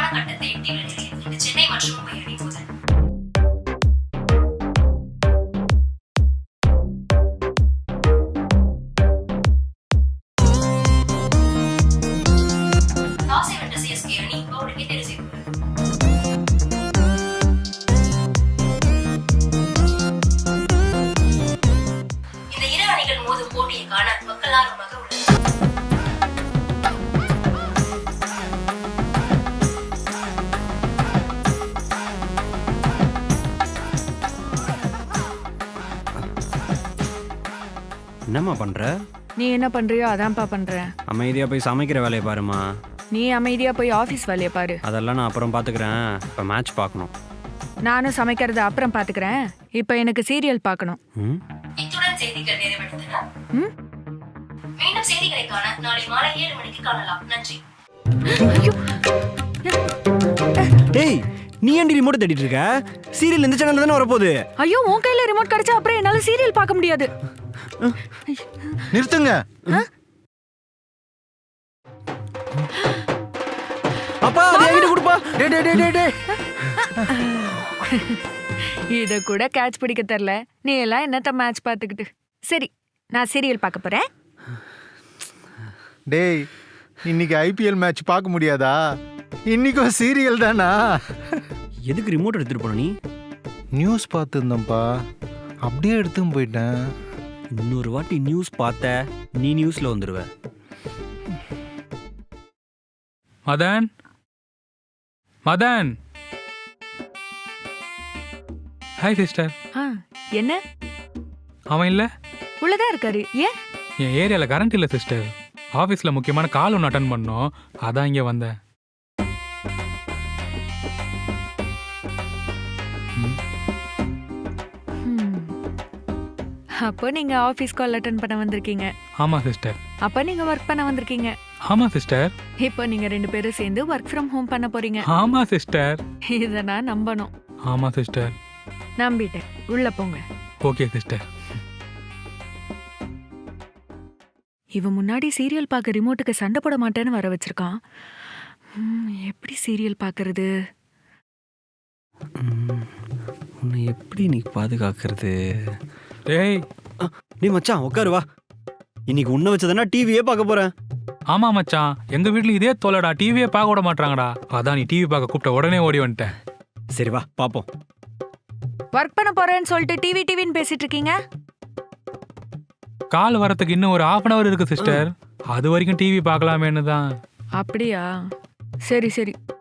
கட்டத்தை எட்டியுள்ள நிலையில் இன்று சென்னை மற்றும் மும்பை அணி மோதல். டாஸை வென்ற சிஎஸ்கே அணி பவுலிங்கை தேர்வு செய்துள்ளது. இந்த இரு அணிகள் மோதும் போட்டியை காண மக்கள் ஆர்வமாக உள்ளது. என்னம்மா பண்ற? நீ என்ன பண்றியோ அதான்ப்பா பண்றேன். அமைதியா போய் சமைக்கிற வேலையை பாருமா. நீ அமைதியா போய் ஆபீஸ் வேலையை பாரு. அதெல்லாம் நான் அப்புறம் பாத்துக்கிறேன். இப்ப மேட்ச் பார்க்கணும். நானும் சமைக்கிறத அப்புறம் பாத்துக்கிறேன். இப்ப எனக்கு சீரியல் பார்க்கணும். இத்துடன் செய்திகள் நிறைவடைந்தன. மீண்டும் செய்திகளை காண நாளை மாலை 7 மணிக்கு காணலாம். நன்றி. டேய், நீ ஏன்டி ரிமோட் தேடிட்டு இருக்க? சீரியல் இந்த சேனல்ல தானே வரப்போகுது. ஐயோ, உன் கையில ரிமோட் கிடைச்சா அப்புறம் என்னால சீரியல் பார்க்க முடியாது. நிறுத்துங்க. அப்பா அதை என்கிட்ட கொடுப்பா. டேய் டேய் டேய் டேய். இத கூட கேட்ச் பிடிக்க தெரியல. நீ எல்லாம் என்னத்த மேட்ச் பார்த்துக்கிட்டு. சரி, நான் சீரியல் பார்க்க போறேன். டேய், இன்னைக்கு ஐபிஎல் மேட்ச் பார்க்க முடியாதா? இன்னைக்கும் சீரியல் தானா? எதுக்கு ரிமோட் எடுத்துட்டு போன நீ? நியூஸ் பார்த்துருந்தேன்ப்பா, அப்படியே எடுத்துன்னு போயிட்டேன். இன்னொரு வாட்டி நியூஸ் பார்த்த நீ நியூஸ்ல வந்துருவ. மதன், மதன். Hi sister. என்ன? அவன் இல்லை, உள்ளதான் இருக்காரு. ஏன்? என் ஏரியாவில் கரண்ட் இல்லை சிஸ்டர். ஆஃபீஸில் முக்கியமான கால் ஒன்று அட்டன் பண்ணோம், அதான் இங்கே வந்தேன். அப்போ நீங்க ஆபீஸ் கால் அட்டெண்ட் பண்ண வந்திருக்கீங்க. ஆமாம் சிஸ்டர். அப்போ நீங்க ஒர்க் பண்ண வந்திருக்கீங்க. ஆமாம் சிஸ்டர். இப்போ நீங்க 2 பேரும் சேர்ந்து ஒர்க் ஃப்ரம் ஹோம் பண்ண போறீங்க. ஆமாம் சிஸ்டர். இத நான் நம்பணும். ஆமாம் சிஸ்டர். நம்பிட்டேன். உள்ள போங்க. Okay sister. இவன் முன்னாடி சீரியல் பார்க்க ரிமோட்டுக்கு சண்டை போட மாட்டேன்னு வர வச்சிருக்கான். எப்படி சீரியல் பார்க்கறது? உன்னை எப்படி நீ பாதுகாக்கிறது? டேய், நீ மச்சான் உட்காரு வா. இன்னைக்கு உன்னை வச்சதுன்னா டிவியே பார்க்க போறேன். ஆமாம் மச்சான், எங்கள் வீட்டில் இதே தோலடா, டிவியே பார்க்க விட மாட்டாங்கடா. அதான் நீ டிவி பார்க்க கூப்பிட்ட உடனே ஓடி வந்துட்டேன். சரி வா பாப்போம். ஒர்க் பண்ண போறேன்னு சொல்லிட்டு டிவின்னு பேசிட்டு இருக்கீங்க. கால் வரத்துக்கு இன்னும் ஒரு 1/2 hour இருக்கு சிஸ்டர். அது வரைக்கும் டிவி பார்க்கலாமேன்னு தான். அப்படியா? சரி சரி.